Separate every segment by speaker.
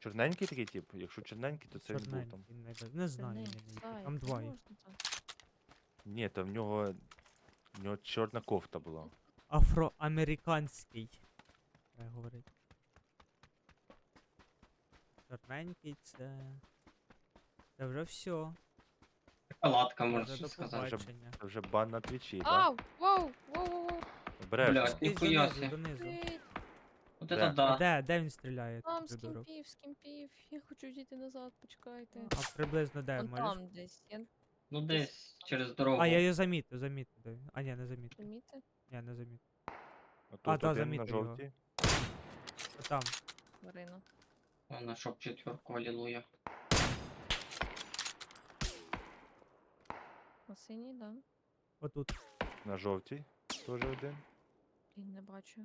Speaker 1: Чорненький такий тип? Якщо чорненький, то це він був там.
Speaker 2: Чорненький, не знаю,
Speaker 3: Не
Speaker 2: я не
Speaker 3: знаю,
Speaker 2: там
Speaker 3: не
Speaker 2: двоє.
Speaker 3: можна так.
Speaker 1: Ні, то в нього чорна кофта була.
Speaker 2: Афроамериканський. Треба говорити. Чорненький це. Це вже все.
Speaker 4: Палатка,
Speaker 2: Вже
Speaker 4: можна
Speaker 2: до
Speaker 4: сказати.
Speaker 2: побачення.
Speaker 1: Це вже бан на твічі, так?
Speaker 3: Ау! Воу! Воу-воу-воу!
Speaker 1: Обережно.
Speaker 4: Блядь,
Speaker 2: Ти
Speaker 4: ніхуя
Speaker 2: донизу,
Speaker 4: себе.
Speaker 2: донизу.
Speaker 3: Привіт!
Speaker 4: Вот
Speaker 1: Де?
Speaker 4: это
Speaker 2: А
Speaker 4: да.
Speaker 2: де він стріляє?
Speaker 3: Там
Speaker 2: Придурок?
Speaker 3: скімпів. Я хочу йти назад, почекайте.
Speaker 2: А приблизно де,
Speaker 3: Вон
Speaker 2: можеш?
Speaker 3: там десь. Я
Speaker 4: Ну десь через дорогу.
Speaker 2: А, я її замітив. Де? А, ні, не замітив.
Speaker 3: помітив.
Speaker 2: Ні, не замітив.
Speaker 1: Тут
Speaker 2: та,
Speaker 1: один на
Speaker 2: замітив його.
Speaker 1: жовтій.
Speaker 2: Там.
Speaker 3: Марина.
Speaker 4: Вона щоб четверку, алілуя.
Speaker 3: На синій, да?
Speaker 2: Отут.
Speaker 1: На жовтій. Теж один.
Speaker 3: Блін, не бачу.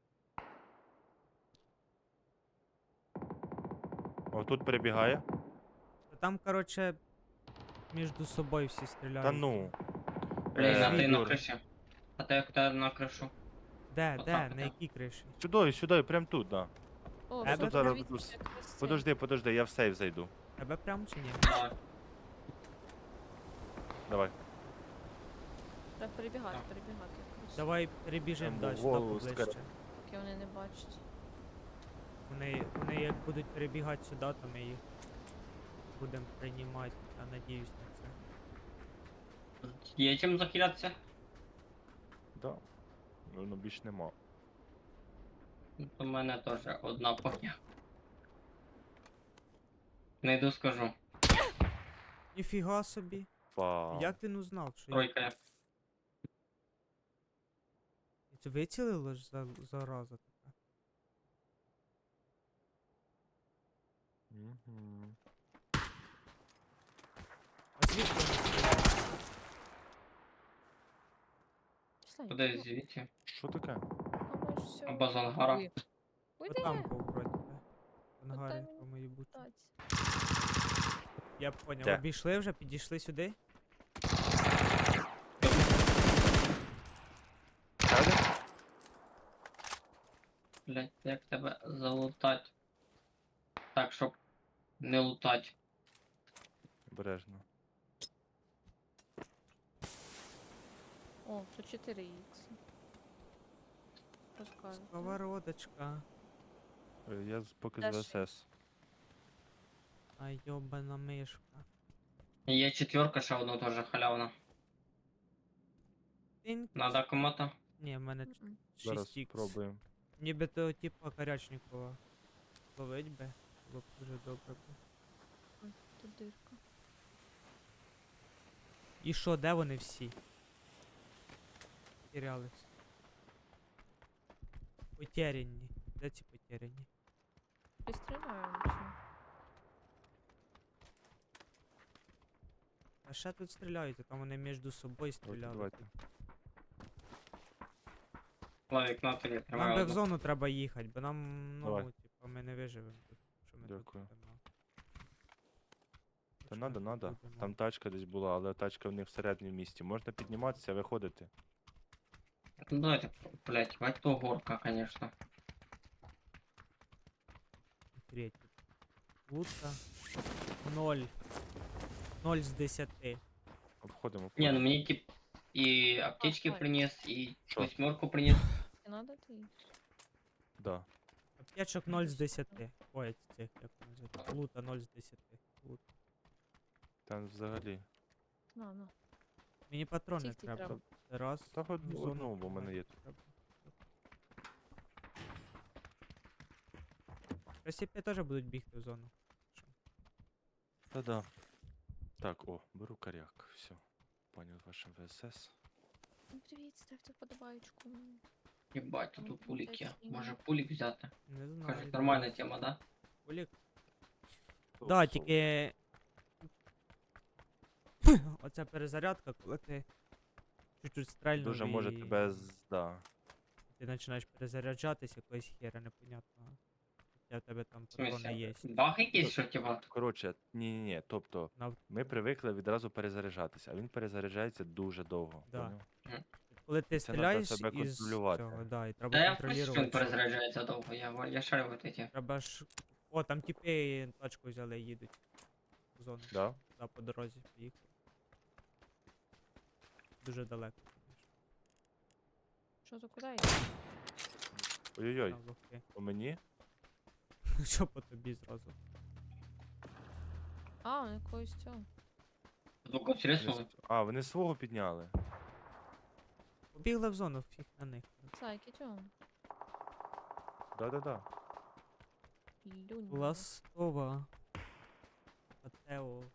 Speaker 1: О, тут перебігає.
Speaker 2: Там, короче, між собою всі стріляють.
Speaker 1: Та ну.
Speaker 4: Блін, а ти на
Speaker 1: Ігор,
Speaker 4: криші. А ти як тебе на кришу?
Speaker 2: Де,
Speaker 4: Отак,
Speaker 2: на
Speaker 4: да.
Speaker 2: якій криші?
Speaker 1: Сюди, прям тут, да.
Speaker 3: О,
Speaker 2: Тебе
Speaker 3: тут
Speaker 1: зараз
Speaker 3: дивіться,
Speaker 1: тут-
Speaker 3: як красиво.
Speaker 1: Подожди, я в сейф зайду.
Speaker 2: Тебе прямо чи ні?
Speaker 4: Так.
Speaker 1: Давай.
Speaker 3: Треба перебігати.
Speaker 4: Так.
Speaker 3: якось.
Speaker 2: Давай перебіжимо
Speaker 1: Там
Speaker 2: далі, сюди
Speaker 1: голову
Speaker 2: поближче.
Speaker 3: Поки вони не бачать.
Speaker 2: Вони як будуть перебігати сюди, то ми їх будемо приймати. Я надіюсь на це.
Speaker 4: Є чим захилятися?
Speaker 1: Да. Ну, більш нема.
Speaker 4: У мене теж одна поня. Не йду скажу.
Speaker 2: Ніфіга собі.
Speaker 1: Вау.
Speaker 2: Як він узнав, що я...
Speaker 4: Тройка є.
Speaker 2: Це вицілило ж зараза така?
Speaker 1: Мгм.
Speaker 2: А звідки вони стріляють?
Speaker 3: Пішла,
Speaker 4: Куди
Speaker 3: ну,
Speaker 4: звідти?
Speaker 1: Що таке?
Speaker 3: а ми ж все.
Speaker 4: Або з ангара.
Speaker 3: Уйди. Уйди!
Speaker 2: Отам вроді би. Ангари,
Speaker 3: мені
Speaker 2: по моїй бути.
Speaker 3: Таць.
Speaker 2: Я поняв,
Speaker 1: Де?
Speaker 2: обійшли вже, підійшли сюди.
Speaker 1: Ще один?
Speaker 4: Блять, як тебе залутать? Так, щоб не лутать.
Speaker 1: Обережно.
Speaker 3: О, тут 4 х. Розкажу.
Speaker 2: Сковородочка.
Speaker 1: Я поки
Speaker 3: Та
Speaker 1: з
Speaker 3: ще.
Speaker 1: ВСС.
Speaker 2: А йобана мишка.
Speaker 4: Є четверка, ще одна теж халявна.
Speaker 2: Тинь.
Speaker 4: Надо кому-то.
Speaker 2: Ні, в мене
Speaker 3: Мгм.
Speaker 1: Зараз
Speaker 2: 6х.
Speaker 1: спробуємо.
Speaker 2: Ніби то типа Корячникова. Ловить би. Було б дуже добре.
Speaker 3: Ой, тут дирка.
Speaker 2: І що, де вони всі? Потерялись. Потеряні. Де ці потеряні?
Speaker 3: Пристріляємо чи?
Speaker 2: А ще тут стріляють, а там вони між собою
Speaker 1: Давайте,
Speaker 2: стріляли.
Speaker 1: давайте.
Speaker 4: Лавік на тобі
Speaker 2: Нам
Speaker 4: тримає.
Speaker 2: би в
Speaker 4: одну.
Speaker 2: зону треба їхати, бо нам, ну,
Speaker 1: Давай.
Speaker 2: типа, ми не виживемо тут. Що ми
Speaker 1: Дякую.
Speaker 2: тут будемо.
Speaker 1: Та
Speaker 2: Що ми тут
Speaker 1: надо.
Speaker 2: будемо?
Speaker 1: Там тачка десь була, але тачка в них всередині в місті. Можна підніматися, виходити.
Speaker 4: Ну давайте, блять, бать то горка, конечно.
Speaker 2: Третій. Лутка. 0. 0 з 10.
Speaker 1: Обходимо.
Speaker 4: Не, ну мені тип і аптечки
Speaker 3: ой.
Speaker 4: приніс, і
Speaker 1: Що?
Speaker 4: восьмерку приніс.
Speaker 3: Не надо ти?
Speaker 1: Да.
Speaker 2: Аптечок 0 з 10. Ой, цих, як вони називають. Лута 0 з 10. Лут.
Speaker 1: Там взагалі.
Speaker 3: На.
Speaker 2: Мені патрони
Speaker 3: Скільки
Speaker 2: треба.
Speaker 3: треба?
Speaker 2: Раз.
Speaker 1: Та
Speaker 2: в зону
Speaker 1: одну, бо в мене є.
Speaker 2: треба. Просіпі теж будуть бігти в зону.
Speaker 1: Та-да. Так, о, беру коряк. Все. Пані з вашим ВСС.
Speaker 3: Ну, привіт, ставте подобаючку.
Speaker 4: Єбать, тут пулік є.
Speaker 3: Такі.
Speaker 4: Може пулік взяти?
Speaker 2: Не знаю.
Speaker 4: Кажуть, нормальна тема, да?
Speaker 2: Олік.
Speaker 1: Соу,
Speaker 2: Да,
Speaker 1: соу.
Speaker 2: тільки. Оця перезарядка, коли ти чуть-чуть стрельнув
Speaker 1: Дуже може
Speaker 2: і
Speaker 1: тебе да.
Speaker 2: ти починаєш перезаряджатись якоїсь хера непонятного. Хоча в тебе там
Speaker 4: В
Speaker 2: патрони
Speaker 4: смысле?
Speaker 2: є.
Speaker 4: Баг якийсь, що типа?
Speaker 1: Коротше, ні. Тобто,
Speaker 2: Нав-
Speaker 1: ми привикли відразу перезаряджатися, а він перезаряджається дуже довго.
Speaker 2: Да.
Speaker 1: поняв?
Speaker 2: Коли ти
Speaker 1: Це надо
Speaker 2: стріляєш
Speaker 1: себе
Speaker 2: із
Speaker 1: контролювати.
Speaker 2: цього, да, і треба
Speaker 4: Та я в курсі, що він
Speaker 2: контролювати.
Speaker 4: перезаряджається довго, я шарю вот эти.
Speaker 2: Треба ж О, там тіпи тачку взяли і їдуть. В зону.
Speaker 1: Да?
Speaker 2: Да, по дорозі поїхали. Дуже далеко, звісно.
Speaker 3: Що за куди?
Speaker 1: Ой-ой-ой,
Speaker 2: Там лохи.
Speaker 1: по мені?
Speaker 2: Що по тобі зразу?
Speaker 3: А, у якогось цього.
Speaker 4: Звук
Speaker 1: Вони
Speaker 4: риснули.
Speaker 1: А, вони свого підняли.
Speaker 2: Побігли в зону, фіг на них.
Speaker 3: Зайки, чого?
Speaker 1: Да-да-да.
Speaker 3: Люнь.
Speaker 2: Ластова. Матео.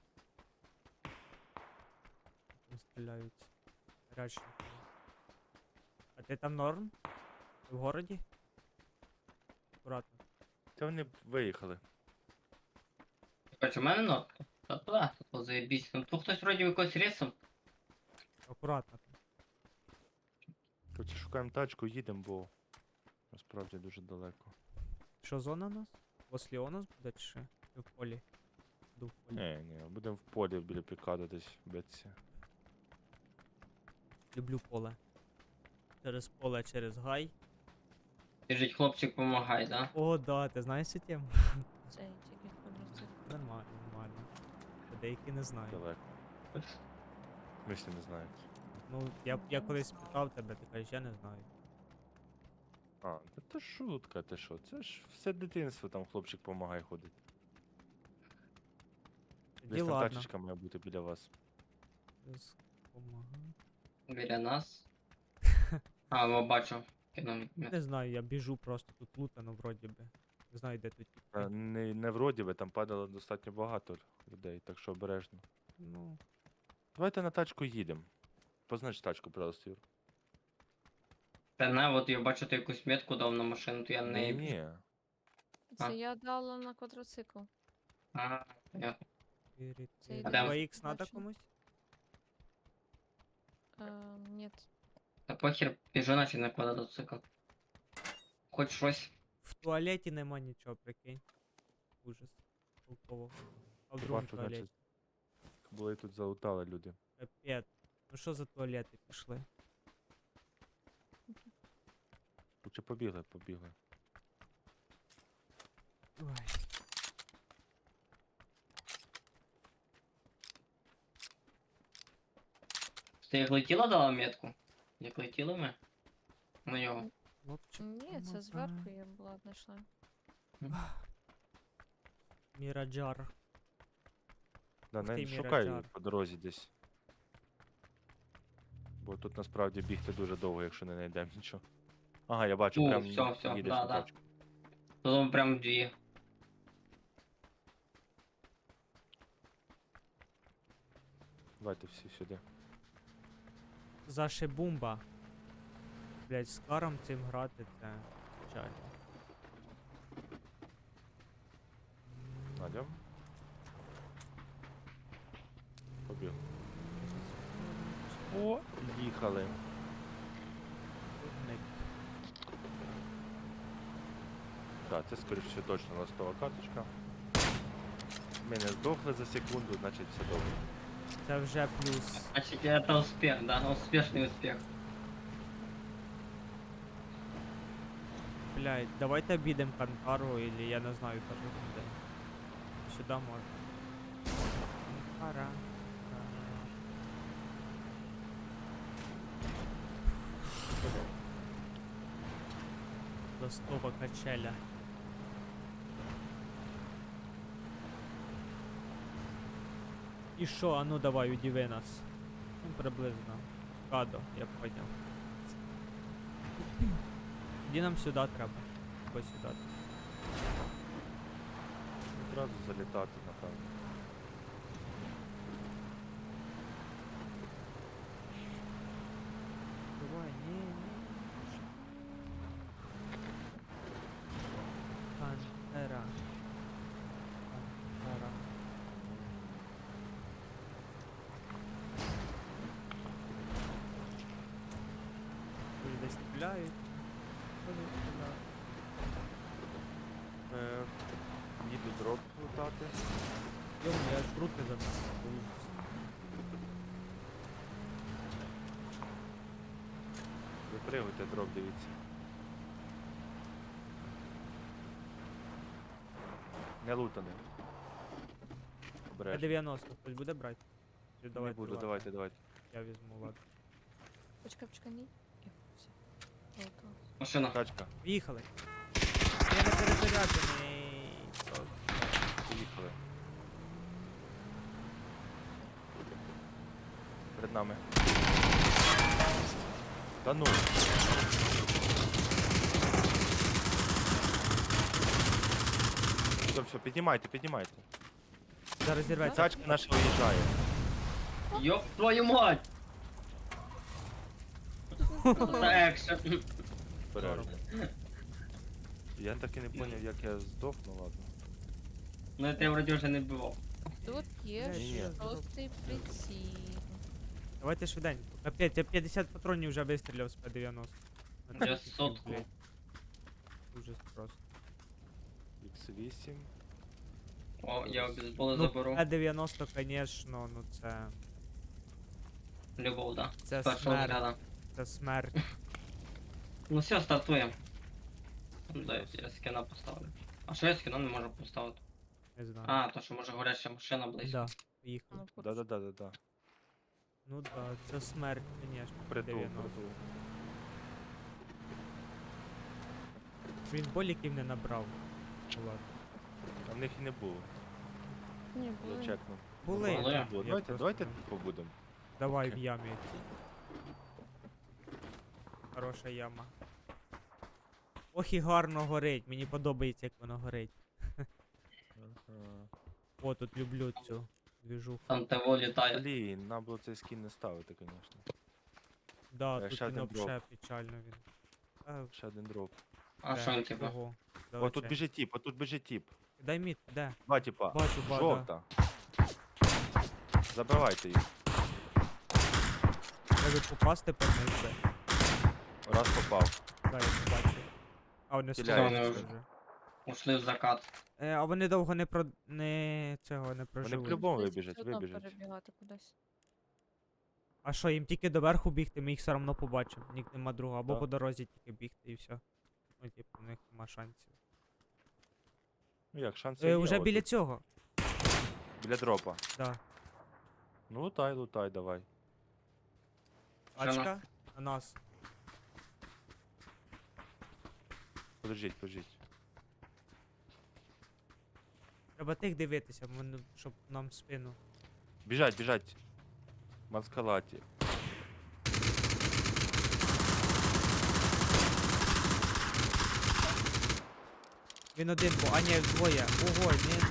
Speaker 2: Там стріляють. Гарячі. А ти там норм? Ти в городі? Акуратно.
Speaker 1: Та вони виїхали.
Speaker 4: Короче, у мене нотка. Та туди, тут заєбісь. Ну тут хтось вроді якось рисом.
Speaker 2: Акуратно. там.
Speaker 1: Короче, шукаємо тачку, їдемо, бо насправді дуже далеко.
Speaker 2: Що зона у нас? Послі у нас буде чи що? Чи в полі? Буду в полі.
Speaker 1: Ні, будемо в полі біля пікаду десь битися.
Speaker 2: Люблю поле. Через поле, через гай.
Speaker 4: Біжить хлопчик, помагай, да?
Speaker 2: О, да, ти знаєш цю тему?
Speaker 3: Цей тільки квадроцикл.
Speaker 2: Нормально, нормально. А деякі не знають.
Speaker 1: Далеко. Мислі не знають.
Speaker 2: Ну, я колись питав тебе, ти кажеш, я не знаю.
Speaker 1: А, та це шутка, ти що? Це ж все дитинство, там хлопчик помагай ходить.
Speaker 2: Тоді
Speaker 1: Десь там
Speaker 2: ладно.
Speaker 1: тачечка має бути біля вас.
Speaker 2: Без помагай.
Speaker 4: Біля нас. А, о, бачу. Кинув.
Speaker 2: Не знаю, я біжу просто тут лутано вроді би. Не знаю, де тут тіпи.
Speaker 1: Не вроді би, там падало достатньо багато людей, так що обережно.
Speaker 2: Ну,
Speaker 1: Давайте на тачку їдемо. Познач тачку, пожалуйста, Юр.
Speaker 4: Та на, от я бачу, ти якусь метку дав на машину, то я не...
Speaker 1: Ні.
Speaker 3: Це
Speaker 4: А.
Speaker 3: я дала на квадроцикл.
Speaker 4: А, понятно.
Speaker 3: Це
Speaker 4: А
Speaker 3: йде
Speaker 4: де?
Speaker 2: 2х надо
Speaker 3: бачу.
Speaker 2: комусь?
Speaker 3: Ні.
Speaker 4: Та похер, біжу наче на квадроцикл. Хоч щось.
Speaker 2: В туалеті нема нічого, прикинь. Ужас. Толково. А в другому
Speaker 1: Бачу,
Speaker 2: туалеті.
Speaker 1: значить, були тут залутали люди.
Speaker 2: Капець. Ну що за туалети пішли?
Speaker 1: Чи побігли.
Speaker 2: Ой.
Speaker 4: Ти як летіла дала метку? Як летіли ми? На нього.
Speaker 2: Хлопчик,
Speaker 3: Ні, це зверху я була знайшла.
Speaker 2: Міраджар.
Speaker 1: Да,
Speaker 2: Ух
Speaker 1: не
Speaker 2: ти,
Speaker 1: шукай
Speaker 2: Міраджар.
Speaker 1: по дорозі десь. Бо тут насправді бігти дуже довго, якщо не знайдемо нічого. Ага, я бачу,
Speaker 4: Ну,
Speaker 1: прям
Speaker 4: всьо,
Speaker 1: їдеш
Speaker 4: да,
Speaker 1: на
Speaker 4: да.
Speaker 1: тачку.
Speaker 4: Тут прям дві.
Speaker 1: Давайте всі сюди.
Speaker 2: Зашибумба. Блять, з каром цим грати це печально.
Speaker 1: Надям. Побіг. О, їхали.
Speaker 2: Дурник.
Speaker 1: Так, це скоріш все точно ластова карточка. Ми не здохли за секунду, значить все добре.
Speaker 2: Це вже плюс.
Speaker 4: Значить, це успіх, да, успішний успіх.
Speaker 2: Блять, давайте обійдемо Канкару, или я не знаю даже куди. Сюди можна. Канкара. Ластова качеля. І що, а ну давай, удиви нас. Ну, приблизно. Кадо, я поняв. Тоді нам сюди треба. Або сюди.
Speaker 1: Одразу залітати, напевно.
Speaker 2: Давай, ні. Пантера. Пантера. Люди десь стріляють. Вони стріляють.
Speaker 1: Їду дроп лутати.
Speaker 2: Йому, я аж в руки забрав.
Speaker 1: Випригуйте дроп, дивіться. Не лутаний. Обережно.
Speaker 2: 90 хтось буде брати? Чи
Speaker 1: Не
Speaker 2: давайте
Speaker 1: буду,
Speaker 2: ладно,
Speaker 1: давайте.
Speaker 2: Я візьму, ладно.
Speaker 3: Почекай, ні. Лута.
Speaker 4: Машина.
Speaker 1: Тачка,
Speaker 2: Поїхали. Я не перезаряджений.
Speaker 1: поїхали. Перед нами. Та ну. Все, піднімайте.
Speaker 2: Зараз зірветься.
Speaker 1: Тачка наша виїжджає.
Speaker 4: Йоп твою мать! Це екшен.
Speaker 1: Обережно. Я так і не зрозумів, як я здох, ну ладно.
Speaker 4: Ну я тебе вроді вже не вбивав.
Speaker 3: Тут є
Speaker 1: Ні-ні.
Speaker 3: шостий приціл.
Speaker 2: Давайте швиденько. Капець, я 50 патронів вже вистріляв з П-90. На
Speaker 4: Я
Speaker 2: таких,
Speaker 4: сотку.
Speaker 2: блядь. Ужас просто.
Speaker 1: X8.
Speaker 4: О, я обезболи
Speaker 2: Ну,
Speaker 4: заберу.
Speaker 2: П-90, конечно, ну це...
Speaker 4: Любов, да.
Speaker 2: Це
Speaker 4: З першого
Speaker 2: смерть.
Speaker 4: взгляду.
Speaker 2: Це смерть.
Speaker 4: Ну все, стартуємо. Да, я скіна поставлю. А що я скіна не можу поставити?
Speaker 2: Не знаю.
Speaker 4: А, то що може горяща машина близько.
Speaker 2: Да, поїхали.
Speaker 3: Ну, поруч.
Speaker 1: Да.
Speaker 2: Ну да, це смерть, конечно.
Speaker 1: Притул,
Speaker 2: 90.
Speaker 1: притул.
Speaker 2: Він боліків не набрав. Ну, ладно.
Speaker 1: А в них і не було.
Speaker 3: Ні,
Speaker 1: Я
Speaker 3: були.
Speaker 1: чекнув.
Speaker 2: Були.
Speaker 4: Були.
Speaker 2: Я
Speaker 1: Було.
Speaker 2: просто
Speaker 1: Давайте
Speaker 2: не-
Speaker 1: тут побудемо.
Speaker 2: Давай
Speaker 1: Окей.
Speaker 2: в ямі. Хороша яма. Ох і гарно горить, мені подобається, як воно горить. О, тут люблю цю двіжуху.
Speaker 4: Там ТВ літає.
Speaker 1: Блін, нам було цей скін не ставити, звісно.
Speaker 2: Да,
Speaker 1: ще
Speaker 2: тут він
Speaker 1: один дроп.
Speaker 2: вообще печально він. А,
Speaker 1: Ще один дроп.
Speaker 4: А
Speaker 2: де?
Speaker 4: що він типу?
Speaker 2: Ого,
Speaker 1: О, тут
Speaker 2: далече.
Speaker 1: біжить тіп.
Speaker 2: Дай мід, де?
Speaker 1: Два тіпа.
Speaker 2: Бачу, бачу.
Speaker 1: Жовта. Забивайте їх.
Speaker 2: Треба попасти по них де.
Speaker 1: Раз попав.
Speaker 2: Да, я побачу. А вони
Speaker 1: Стріляють
Speaker 2: стріляють
Speaker 4: вже.
Speaker 2: вже.
Speaker 4: Ушли в закат.
Speaker 2: А вони довго не цього не проживуть.
Speaker 1: по-любому
Speaker 3: Десь
Speaker 1: вибіжать,
Speaker 3: все одно
Speaker 1: вибіжать.
Speaker 3: перебігати кудись.
Speaker 2: А що, їм тільки доверху бігти, ми їх все одно побачимо. Нік нема другого. Або
Speaker 1: Да.
Speaker 2: по дорозі тільки бігти і все. Ну, типу, у них нема шансів.
Speaker 1: Ну як, шанси є.
Speaker 2: Уже
Speaker 1: от
Speaker 2: біля
Speaker 1: тут.
Speaker 2: цього.
Speaker 1: Біля дропа.
Speaker 2: Да.
Speaker 1: Ну лутай, давай.
Speaker 4: Що на-
Speaker 2: Ачка на нас.
Speaker 1: Подождіть.
Speaker 2: Треба тих дивитися, щоб нам в спину.
Speaker 1: Біжать. Маскалаті.
Speaker 2: Він один, а ні, двоє. Ого, ні.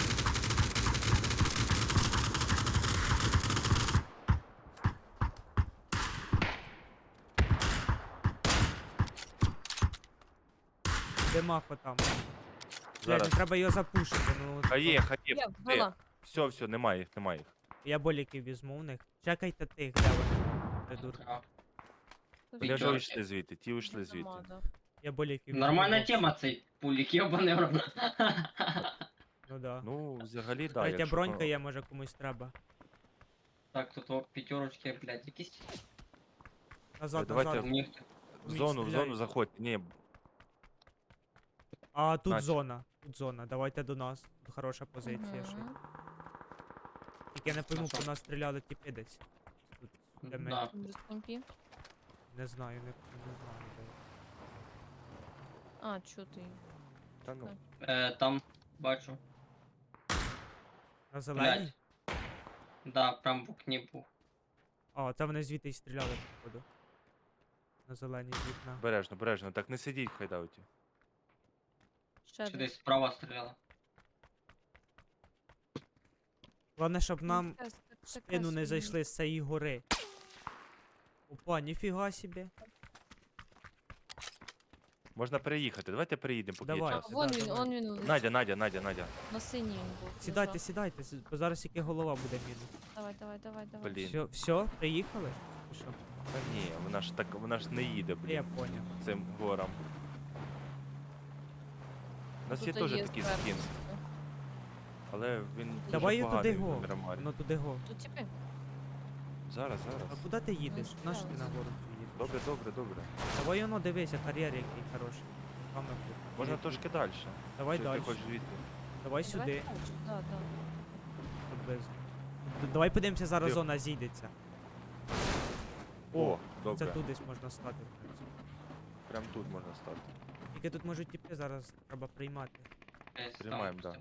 Speaker 2: Де Махо там? Блядь,
Speaker 1: Зараз.
Speaker 2: не треба його запушити, ну.
Speaker 1: Хає.
Speaker 3: Я вбила.
Speaker 1: Все, немає їх.
Speaker 2: Я боліків візьму в них. Чекайте тих, де вони. Придурки.
Speaker 4: А,
Speaker 3: Тут
Speaker 1: Вони вже
Speaker 4: П'ятерки.
Speaker 1: вийшли звідти, ті вийшли звідти.
Speaker 3: нема, да.
Speaker 2: Я боліків візьму.
Speaker 4: Нормальна
Speaker 2: бо-
Speaker 4: тема цей пулік, йобаний в рот.
Speaker 2: Ну да.
Speaker 1: Ну, взагалі, да.
Speaker 2: Третя
Speaker 1: якщо
Speaker 2: бронька
Speaker 1: по-
Speaker 2: є, може комусь треба.
Speaker 4: Так, тут о, п'ятерочки, блядь, якісь.
Speaker 2: Назад,
Speaker 1: давайте
Speaker 2: назад.
Speaker 4: У них
Speaker 1: В зону
Speaker 2: стріляють.
Speaker 1: заходьте. Ні,
Speaker 2: А тут
Speaker 1: Настя.
Speaker 2: зона. Тут зона. Давайте до нас. Тут хороша позиція ще.
Speaker 3: Мгм.
Speaker 2: Тільки я не пойму,
Speaker 4: А що?
Speaker 2: по нас стріляли тіпи десь. Тут, де ми.
Speaker 4: Да.
Speaker 3: Без компі.
Speaker 2: Не знаю, не знаю. Де.
Speaker 3: А, чути.
Speaker 1: та ну.
Speaker 4: Там бачу.
Speaker 2: На зеленій?
Speaker 4: Да, прям в окні був.
Speaker 2: А, це вони звідти й стріляли, походу. На зеленій з вікна.
Speaker 1: Бережно. Так не сидіть в хайдауті.
Speaker 3: Ще
Speaker 4: Чи
Speaker 3: десь.
Speaker 4: десь справа стріляла.
Speaker 2: Головне, щоб нам
Speaker 3: Таке-
Speaker 2: в
Speaker 3: таке
Speaker 2: спину не
Speaker 3: собі.
Speaker 2: зайшли з цієї гори. Опа, ніфіга собі.
Speaker 1: Можна переїхати. Давайте переїдемо, поки є
Speaker 2: Давай.
Speaker 1: час.
Speaker 3: Вон
Speaker 2: Да,
Speaker 3: він,
Speaker 2: давай.
Speaker 3: он він. лежить.
Speaker 1: Надя.
Speaker 3: На синій він був.
Speaker 2: Сідайте,
Speaker 3: лежав.
Speaker 2: сідайте, бо зараз тільки голова буде мінус.
Speaker 3: Давай.
Speaker 1: Блін.
Speaker 2: Все, приїхали? Чи що?
Speaker 1: Та ні, вона ж не їде,
Speaker 2: Я
Speaker 1: блін,
Speaker 2: поняв.
Speaker 1: цим горам. У нас є
Speaker 3: Тут
Speaker 1: теж такий
Speaker 3: зверху.
Speaker 1: скін, але він дуже
Speaker 2: Давай її туди
Speaker 1: поганий
Speaker 2: го.
Speaker 1: в Мірамарі.
Speaker 2: Воно туди го.
Speaker 3: Тут типи.
Speaker 1: Зараз.
Speaker 2: А куди ти їдеш?
Speaker 3: Ну,
Speaker 2: На що ти
Speaker 3: справа.
Speaker 2: на гору цю їдеш?
Speaker 1: Добре.
Speaker 2: Давай воно дивися, кар'єр який хороший. Саме тут.
Speaker 1: Можна
Speaker 2: Їдь,
Speaker 1: трошки далі.
Speaker 2: Давай
Speaker 1: Чи
Speaker 2: далі.
Speaker 1: ти хочеш звідти?
Speaker 2: Давай сюди,
Speaker 3: Да, да.
Speaker 2: приблизно. Давай подивимося, зараз
Speaker 1: Тихо.
Speaker 2: зона зійдеться.
Speaker 1: О,
Speaker 2: Це
Speaker 1: добре.
Speaker 2: тут десь можна стати. в принципі.
Speaker 1: Прям тут можна стати.
Speaker 2: Тільки тут можуть тіпи, зараз треба приймати.
Speaker 4: Десь там
Speaker 1: Приймаємо, да.
Speaker 4: пустив.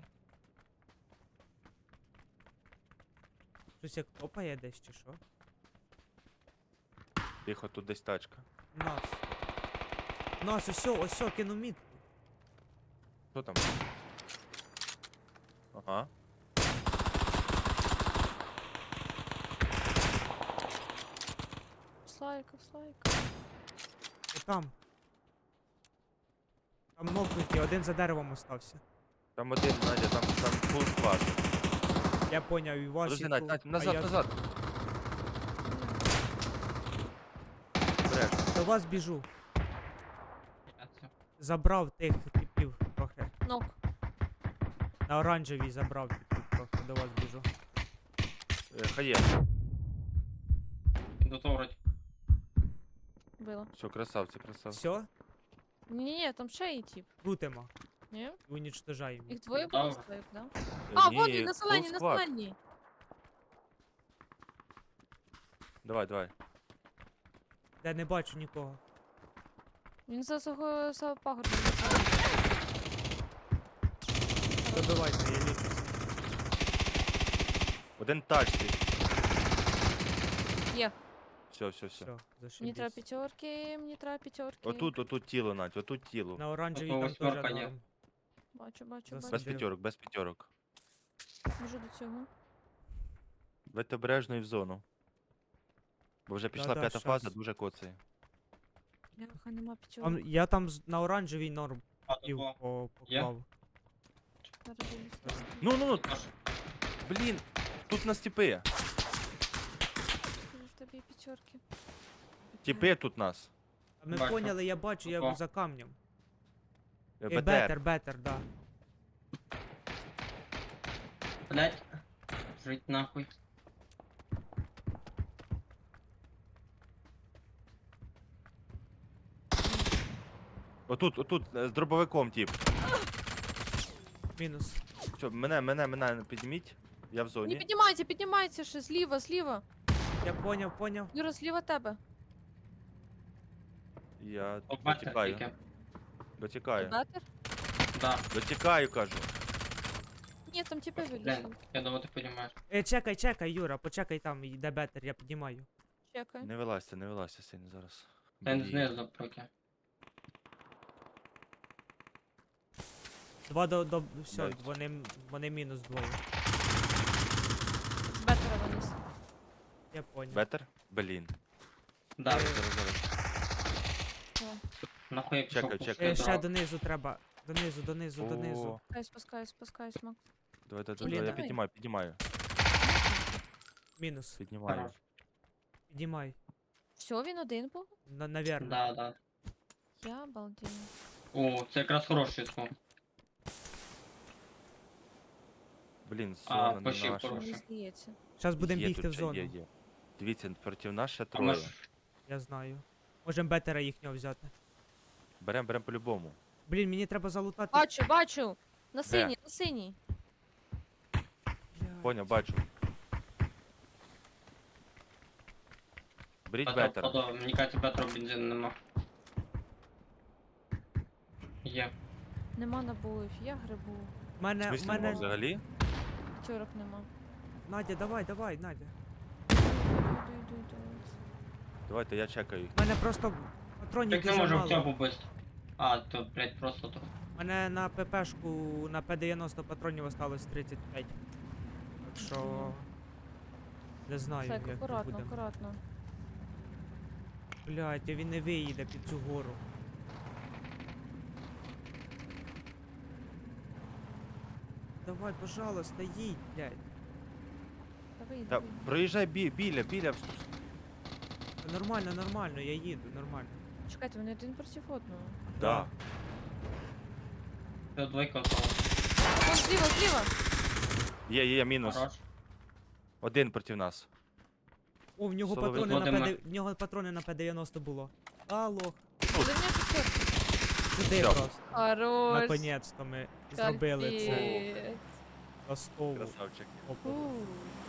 Speaker 2: Щось як топає десь чи що?
Speaker 1: Тихо, тут десь тачка.
Speaker 2: Нас. Нас, ось, кину мітку.
Speaker 1: Що там? Ага.
Speaker 3: Слайка.
Speaker 2: Там. Там нокнуті, один за деревом остався.
Speaker 1: Там один, Надя, там фул склад.
Speaker 2: Я поняв, і вас.
Speaker 1: Подожди,
Speaker 2: і
Speaker 1: Надь,
Speaker 2: тут,
Speaker 1: Надь,
Speaker 2: а
Speaker 1: назад,
Speaker 2: я
Speaker 1: назад. Бреш.
Speaker 2: До вас біжу.
Speaker 4: Я це-
Speaker 2: Забрав тих типів трохи.
Speaker 3: Нок.
Speaker 2: На оранжевій забрав типів трохи, до вас біжу.
Speaker 1: Хає.
Speaker 4: Іду товрить.
Speaker 3: Було.
Speaker 1: Все, красавці, красавці.
Speaker 2: Все,
Speaker 3: Ні, там ще є тип.
Speaker 2: крутимо.
Speaker 3: Ні?
Speaker 2: І унічтожаємо.
Speaker 3: Їх двоє було
Speaker 4: Добре.
Speaker 3: слайк, да?
Speaker 1: Ні,
Speaker 3: А, вон він, на
Speaker 1: full
Speaker 3: зеленій, на
Speaker 1: squad.
Speaker 3: зеленій.
Speaker 1: Давай, давай.
Speaker 2: Я не бачу нікого.
Speaker 3: Він за пагорбом.
Speaker 2: Добивайте, я лічуся.
Speaker 1: Один тачці.
Speaker 3: Є.
Speaker 1: Все, все.
Speaker 2: Все,
Speaker 3: Мені треба
Speaker 2: зашибісь.
Speaker 3: п'ятерки.
Speaker 1: Отут тіло, Надь, отут тіло.
Speaker 2: На оранжевій
Speaker 4: Ото
Speaker 2: там
Speaker 4: восьмерка
Speaker 2: теж
Speaker 4: є.
Speaker 2: норм.
Speaker 3: Бачу.
Speaker 2: Засадив.
Speaker 1: Без п'ятерок, без п'ятерок.
Speaker 3: Можу до цього.
Speaker 1: Будьте обережно і в зону. Бо вже пішла
Speaker 2: Да-да,
Speaker 1: п'ята фаза,
Speaker 2: щас.
Speaker 1: дуже коцає.
Speaker 3: Бляха, нема п'ятерок.
Speaker 2: Там, я там на оранжевій норм
Speaker 4: А,
Speaker 2: пів
Speaker 4: тут Є?
Speaker 2: поклав.
Speaker 3: Зараз дивлюсь.
Speaker 1: Ну,
Speaker 4: теж.
Speaker 1: блін, тут нас тіпи.
Speaker 3: Скажи, в тебе є п'ятерки.
Speaker 1: Тіпи тут нас.
Speaker 2: А ми
Speaker 4: Бачу.
Speaker 2: поняли, я бачу, я
Speaker 4: Ого.
Speaker 2: за камнем.
Speaker 1: БТР.
Speaker 2: Бетер, да.
Speaker 4: Блять. Жить нахуй.
Speaker 1: Отут, з дробовиком, тип.
Speaker 2: Мінус.
Speaker 1: Що, мене підніміть. Я в
Speaker 3: Не
Speaker 1: зоні.
Speaker 3: піднімайте ще, зліва.
Speaker 2: Я поняв.
Speaker 3: Юра, зліва тебе.
Speaker 1: Я
Speaker 4: Побачите
Speaker 1: дотікаю.
Speaker 4: тільки.
Speaker 1: Дотікаю.
Speaker 3: Бетер?
Speaker 4: Да.
Speaker 1: Дотікаю, кажу.
Speaker 3: Ні, там типи
Speaker 4: Блін,
Speaker 3: вилізли.
Speaker 4: я думаю, ти піднімаєш.
Speaker 2: Чекай, Юра, почекай там, йде бетер, я піднімаю.
Speaker 3: Чекай.
Speaker 1: Не вилазьте сильно зараз.
Speaker 4: Він
Speaker 1: Блін.
Speaker 4: знизу проки.
Speaker 2: Два до все,
Speaker 1: Навіть.
Speaker 2: вони мінус двоє.
Speaker 3: З бетера виніс.
Speaker 2: Я поняв.
Speaker 1: Бетер? Блін.
Speaker 4: Да.
Speaker 1: Зараз.
Speaker 3: О,
Speaker 4: Нахуй я пішов
Speaker 1: Чекай,
Speaker 4: пушити
Speaker 1: чекай.
Speaker 2: Ще
Speaker 4: дров.
Speaker 2: донизу треба. Донизу.
Speaker 1: О,
Speaker 3: спускаюсь, Мак.
Speaker 1: Давай,
Speaker 3: Блін,
Speaker 1: я
Speaker 3: давай.
Speaker 1: піднімаю.
Speaker 2: Мінус.
Speaker 1: Піднімаю.
Speaker 4: Хорош.
Speaker 2: Піднімай.
Speaker 3: Все, він один був?
Speaker 2: Навірно.
Speaker 4: Да.
Speaker 3: Я обалдію.
Speaker 4: О, це якраз хороший скол.
Speaker 1: Блін,
Speaker 4: А,
Speaker 1: зона не
Speaker 4: почив
Speaker 1: наша.
Speaker 4: хороший.
Speaker 3: Мені здається.
Speaker 2: Зараз будемо
Speaker 1: Є
Speaker 2: бігти
Speaker 1: тут
Speaker 2: в
Speaker 1: ще,
Speaker 2: зону.
Speaker 1: Є. Дивіться, проти нас ще
Speaker 4: А ми
Speaker 1: троє.
Speaker 4: ж
Speaker 2: Я знаю. Можемо бетера їхнього взяти.
Speaker 1: Берем по-любому.
Speaker 2: Блін, мені треба залутати.
Speaker 3: Бачу. На синій.
Speaker 2: Блядь.
Speaker 1: Поняв, бачу. Беріть
Speaker 4: Бетер,
Speaker 1: бетер.
Speaker 4: походу, мені кажеться, бетеру бензину нема. Є.
Speaker 3: Нема набоїв, я грибу.
Speaker 2: В мене,
Speaker 1: В смислі
Speaker 2: в мене...
Speaker 1: нема взагалі?
Speaker 3: П'ятерок нема.
Speaker 2: Надя, давай, Надя.
Speaker 3: Йду.
Speaker 1: Давайте, я чекаю їх.
Speaker 2: В мене просто патронів
Speaker 4: Так не
Speaker 2: дуже
Speaker 4: можемо в
Speaker 2: мало.
Speaker 4: цьому бити. А, то, блять, просто то.
Speaker 2: У мене на ППшку на П-90 патронів осталось 35. Так що... Не знаю,
Speaker 3: Так,
Speaker 2: як ми будемо.
Speaker 3: акуратно.
Speaker 2: Блядь, а він не виїде під цю гору. Давай, пожалуйста, їдь, блядь.
Speaker 1: Та проїжджай біля.
Speaker 2: Та Нормально, я їду, нормально.
Speaker 3: Чекайте, вони один проти одного.
Speaker 1: Да.
Speaker 4: Це двойка осталась.
Speaker 3: Вон зліва.
Speaker 1: Є, мінус.
Speaker 4: Хорош.
Speaker 1: Один проти нас.
Speaker 2: О, в нього
Speaker 1: Соловей.
Speaker 2: патрони на
Speaker 4: Володимир.
Speaker 2: в нього патрони на П-90 було. Алло.
Speaker 3: За мене п'ятерки.
Speaker 2: Сюди
Speaker 1: Всё.
Speaker 2: просто.
Speaker 3: Хорош.
Speaker 2: Наконець-то ми зробили це
Speaker 3: Капець.
Speaker 2: ластову
Speaker 1: Красавчик.
Speaker 2: оповідь.
Speaker 3: Фу.